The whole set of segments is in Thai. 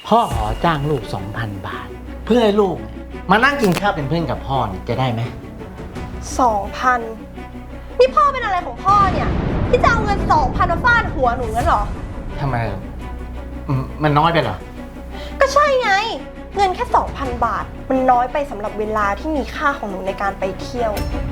พ่อขอจ้างลูก 2,000 บาท เพื่อให้ลูกมานั่งกินข้าวเป็นเพื่อนกับพ่อเนี่ยจะได้ไหม 2,000นี่พ่อเป็นอะไรของพ่อเนี่ยที่จะเอาเงิน 2,000มาฟาดหัวหนูงั้นเหรอทำไมมันน้อยไปเหรอก็ใช่ไง เงินแค่ 2,000 บาท มันน้อยไปสำหรับเวลาที่มีค่าของหนูในการไปเที่ยว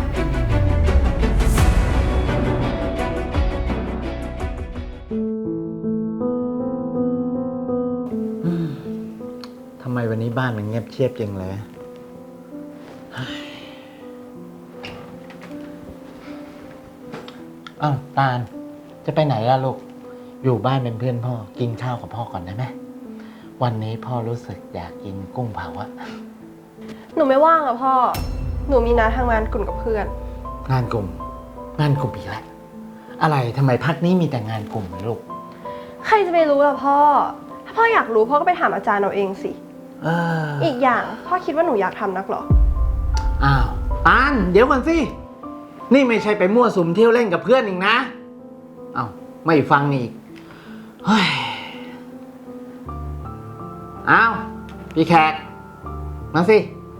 ทำไมวันนี้บ้านมันเงียบเชียบจังเลยอ้าวตาลจะไปไหนล่ะลูก อยู่บ้านเป็นเพื่อนพ่อ กินข้าวกับพ่อก่อนได้ไหม วันนี้พ่อรู้สึกอยากกินกุ้งเผาอะหนูไม่ว่างอะพ่อ หนูมีนัดทำงานกลุ่มกับเพื่อนงานกลุ่มอีกแล้ว อะไรทำไมพักนี้มีแต่งานกลุ่มลูกใครจะไปรู้ล่ะพ่อ ถ้าพ่ออยากรู้พ่อก็ไปถามอาจารย์เอาเองสิ อีกอย่างพ่อคิดว่าหนูอยากทำนักเหรออ้าวตาลเดี๋ยวก่อนสิ นี่ไม่ใช่ไปมั่วสุมเที่ยวเล่นกับเพื่อนอีกนะอ้าวไม่ฟังอีก เฮ้ย อ้าวพี่แขกมาสิ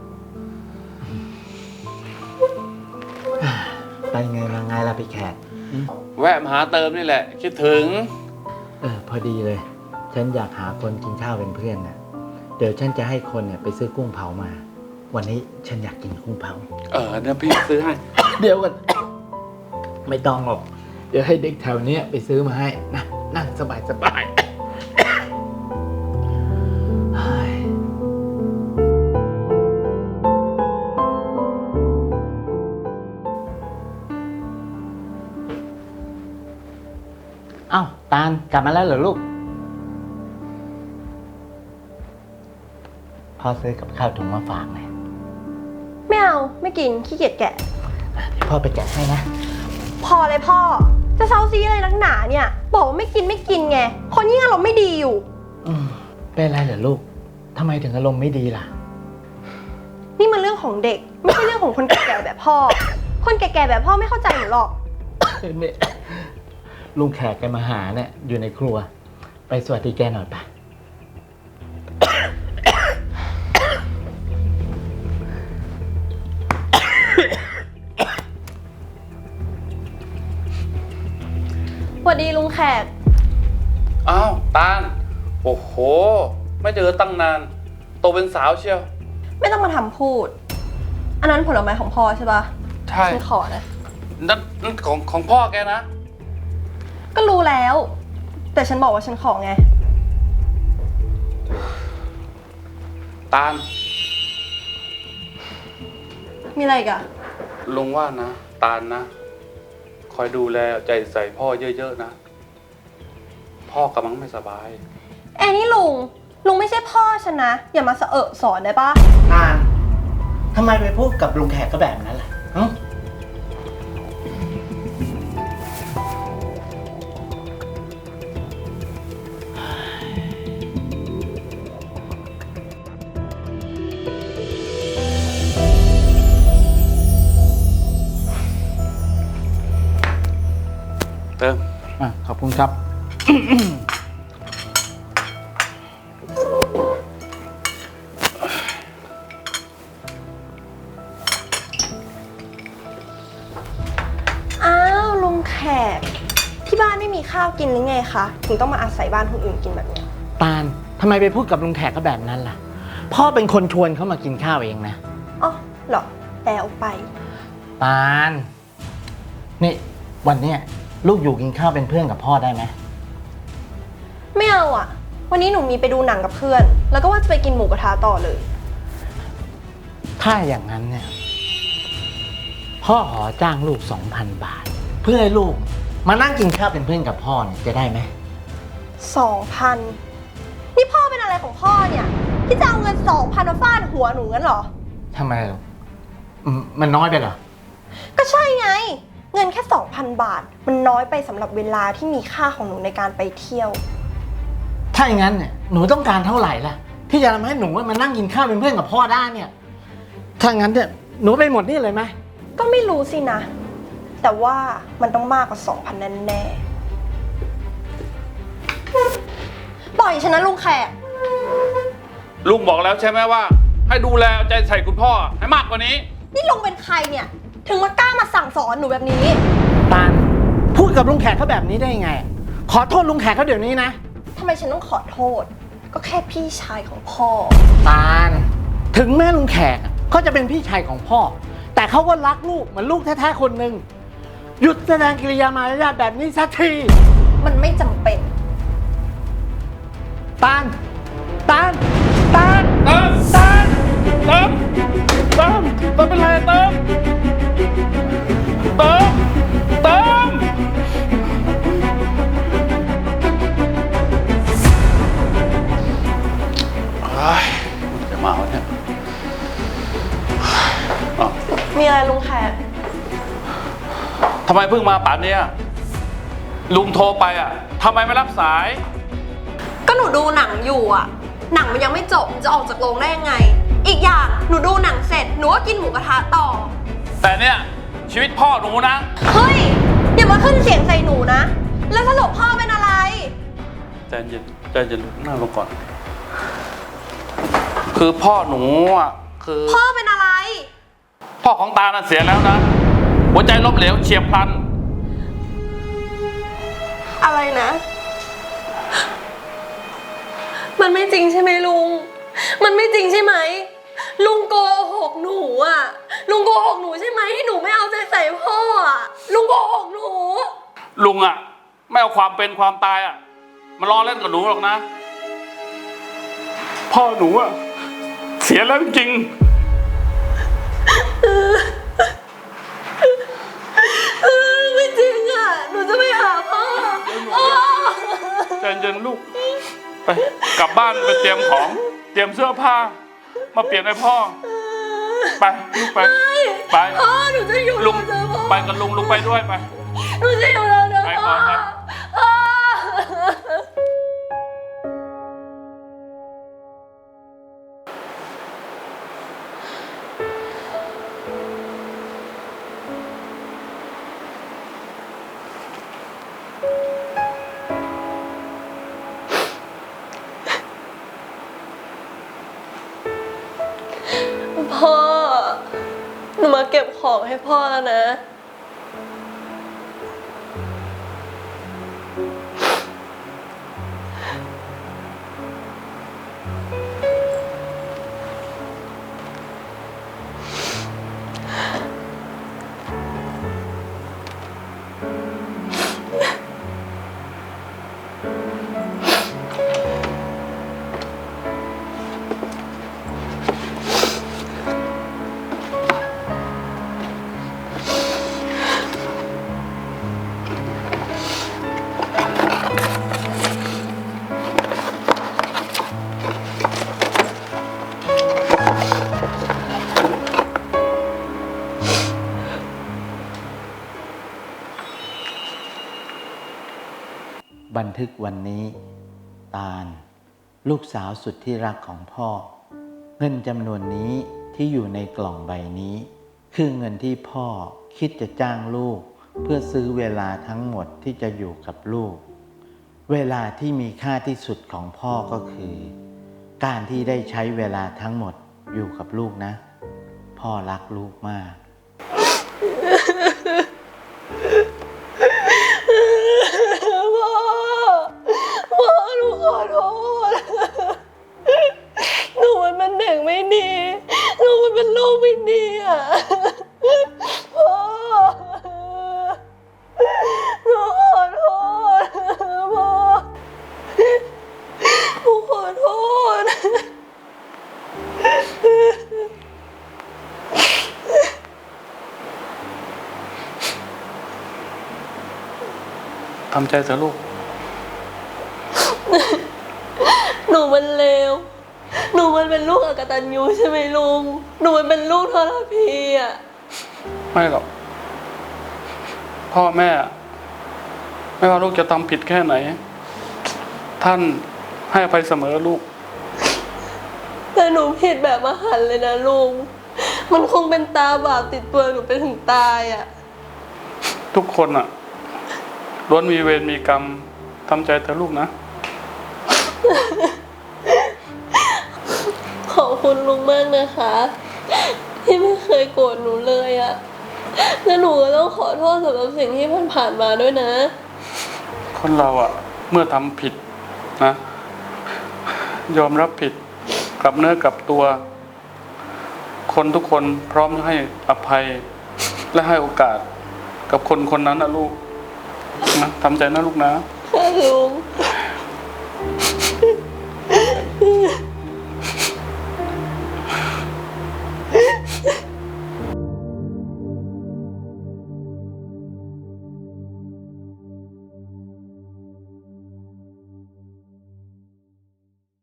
ไปไงมาไงล่ะพี่แขกแวะมาหาเติมนี่แหละ คิดถึงพอดีเลย ฉันอยากหาคนกินข้าวเป็นเพื่อนนะเดี๋ยวฉันจะให้คนเนี่ยไปซื้อกุ้งเผามา วันนี้ฉันอยากกินกุ้งเผาเดี๋ยวพี่ซื้อให้เดี๋ยวกัน ไม่ต้องหรอก เดี๋ยวให้เด็กแถวเนี้ยไปซื้อมาให้นะนั่งสบายเฮ้ยเอ้าตาลกลับมาแล้วเหรอลูก พ่อซื้อกับข้าวถุงมาฝากหน่อยไม่เอา ไม่กิน ขี้เกียจแกะเดี๋ยวพ่อไปแกะให้นะพอเลยพ่อ จะเซาซีอะไรนักหนาเนี่ย บอกว่าไม่กินไง คนยิ่งอารมณ์ไม่ดีอยู่เป็นไรเหรอลูก ทำไมถึงอารมณ์ไม่ดีล่ะนี่มันเรื่องของเด็ก ไม่ใช่เรื่องของคนแก่ๆแบบพ่อ คนแก่ๆแบบพ่อไม่เข้าใจหนูหรอกเนี่ยลุงแขกแกมาหาเนี่ยอยู่ในครัว ไปสวัสดีแกหน่อยปะสวัสดีลุงแขกอ้าวตาล โอ้โห ไม่เจอตั้งนาน โตเป็นสาวเชียวไม่ต้องมาทำพูด อันนั้นผลไม้ของพ่อใช่ปะใช่ฉันขอนะนั่นของพ่อแกนะก็รู้แล้ว แต่ฉันบอกว่าฉันขอไงตาลมีอะไรอีกอะลุงว่านะ ตาลนะ คอยดูแลใจใส่พ่อเยอะๆนะ พ่อกำลังไม่สบายนี่ลุงไม่ใช่พ่อฉันนะ อย่ามาสอนได้ปะตาลทำไมไปพูดกับลุงแขกก็แบบนั้นล่ะหึเติมขอบคุณครับอ้าวลุงแขก ที่บ้านไม่มีข้าวกินหรือไงคะถึงต้องมาอาศัยบ้านคนอื่นกินแบบเนี้ยตาลทำไมไปพูดกับลุงแขกก็แบบนั้นล่ะ พ่อเป็นคนชวนเขามากินข้าวเองนะอ๋อเหรอแล้วไปตาลนี่วันเนี้ยลูกอยู่กินข้าวเป็นเพื่อนกับพ่อได้ไหมไม่เอาอะวันนี้หนูมีไปดูหนังกับเพื่อน แล้วก็ว่าจะไปกินหมูกระทะต่อเลยถ้าอย่างนั้นเนี่ย พ่อขอจ้างลูก 2,000 บาท เพื่อให้ลูกมานั่งกินข้าวเป็นเพื่อนกับพ่อเนี่ยจะได้ไหม 2,000นี่พ่อเป็นอะไรของพ่อเนี่ยที่จะเอาเงิน 2,000มาฟาดหัวหนูงั้นเหรอทำไมมันน้อยไปเหรอก็ใช่ไง เงินแค่ 2,000 บาท มันน้อยไปสำหรับเวลาที่มีค่าของหนูในการไปเที่ยวถ้าอย่างนั้นเนี่ยหนูต้องการเท่าไหร่ล่ะ ที่จะทำให้หนูมานั่งกินข้าวเป็นเพื่อนกับพ่อได้เนี่ย ถ้างั้นเนี่ยหนูไปหมดนี่เลยไหมก็ไม่รู้สินะ แต่ว่ามันต้องมากกว่า 2,000แน่ๆปล่อยฉันนะลุงแขกลุงบอกแล้วใช่ไหมว่า ให้ดูแลเอาใจใส่คุณพ่อให้มากกว่านี้นี่ลุงเป็นใครเนี่ย ถึงมากล้ามาสั่งสอนหนูแบบนี้ตาลพูดกับลุงแขกเขาแบบนี้ได้ยังไง ขอโทษลุงแขกเขาเดี๋ยวนี้นะทำไมฉันต้องขอโทษ ก็แค่พี่ชายของพ่อตาลถึงแม่ลุงแขกเขาจะเป็นพี่ชายของพ่อ แต่เขาก็รักลูกเหมือนลูกแท้ๆคนหนึ่งหยุดแสดงกิริยามารยาทแบบนี้สักทีมันไม่จำเป็นตาลตาลเติมเป็นไรเติมจะมาวะเนี่ยอ้าวมีอะไรลุงแขกทำไมเพิ่งมาป่านเนี้ยลุงโทรไปอ่ะทำไมไม่รับสายก็หนูดูหนังอยู่อะหนังมันยังไม่จบจะออกจากโรงได้ยังไง อีกอย่างหนูดูหนังเสร็จหนูก็กินหมูกระทะต่อแต่เนี่ยชีวิตพ่อหนูนะเฮ้ยอย่ามาขึ้นเสียงใส่หนูนะ แล้วสรุปพ่อเป็นอะไรใจเย็นนั่งลงก่อน คือพ่อหนูอ่ะคือพ่อเป็นอะไรพ่อของตาน่ะเสียแล้วนะหัวใจล้มเหลวเฉียบพลันอะไรนะ มันไม่จริงใช่ไหมลุง มันไม่จริงใช่ไหม ลุงโกหกหนูอ่ะ ลุงโกหกหนูใช่ไหมที่หนูไม่เอาใจใส่พ่ออ่ะ ลุงโกหกหนูลุงอ่ะไม่เอาความเป็นความตายอ่ะมาล้อเล่นกับหนูหรอกนะ พ่อหนูอ่ะเสียแล้วจริงไม่จริงอ่ะ หนูจะไปหาพ่อใจเย็นลูกไปกลับบ้านไปเตรียมของเตรียมเสื้อผ้ามาเปลี่ยนให้พ่อไปลูกไปพ่อหนูจะอยู่ลุงเจอพ่อไปกับลุงไปด้วยไปหนูจะอยู่แล้วเจอไปพ่ก่ออนไปพ่อ พ่อ หนูมาเก็บของให้พ่อแล้วนะบันทึกวันนี้ ตาลลูกสาวสุดที่รักของพ่อ เงินจำนวนนี้ที่อยู่ในกล่องใบนี้ คือเงินที่พ่อคิดจะจ้างลูกเพื่อซื้อเวลาทั้งหมดที่จะอยู่กับลูก เวลาที่มีค่าที่สุดของพ่อก็คือ การที่ได้ใช้เวลาทั้งหมดอยู่กับลูกนะ พ่อรักลูกมากพ่อหนูขอโทษ หนูมันเป็นเด็กไม่ดี หนูมันเป็นลูกไม่ดีอ่ะ พ่อ หนูขอโทษ พ่อ หนูขอโทษทำใจเถอะลูกหนูมันเลว หนูมันเป็นลูกอกตัญญูใช่ไหมลุง หนูมันเป็นลูกทรพีอ่ะไม่หรอกพ่อแม่ไม่ว่าลูกจะทำผิดแค่ไหน ท่านให้อภัยเสมอลูกแต่หนูผิดแบบมหันต์เลยนะลุง มันคงเป็นตาบาปติดตัวหนูไปถึงตายอ่ะทุกคนอ่ะล้วนมีเวรมีกรรมทำใจเถอะลูกนะขอบคุณลุงมากนะคะ ที่ไม่เคยโกรธหนูเลยอะและหนูก็ต้องขอโทษสำหรับสิ่งที่ผ่านมาด้วยนะคนเราอะเมื่อทำผิดนะ ยอมรับผิดกลับเนื้อกลับตัว คนทุกคนพร้อมให้อภัย และให้โอกาสกับคนคนนั้นนะลูกนะทำใจนะลูกนะค่ะลุง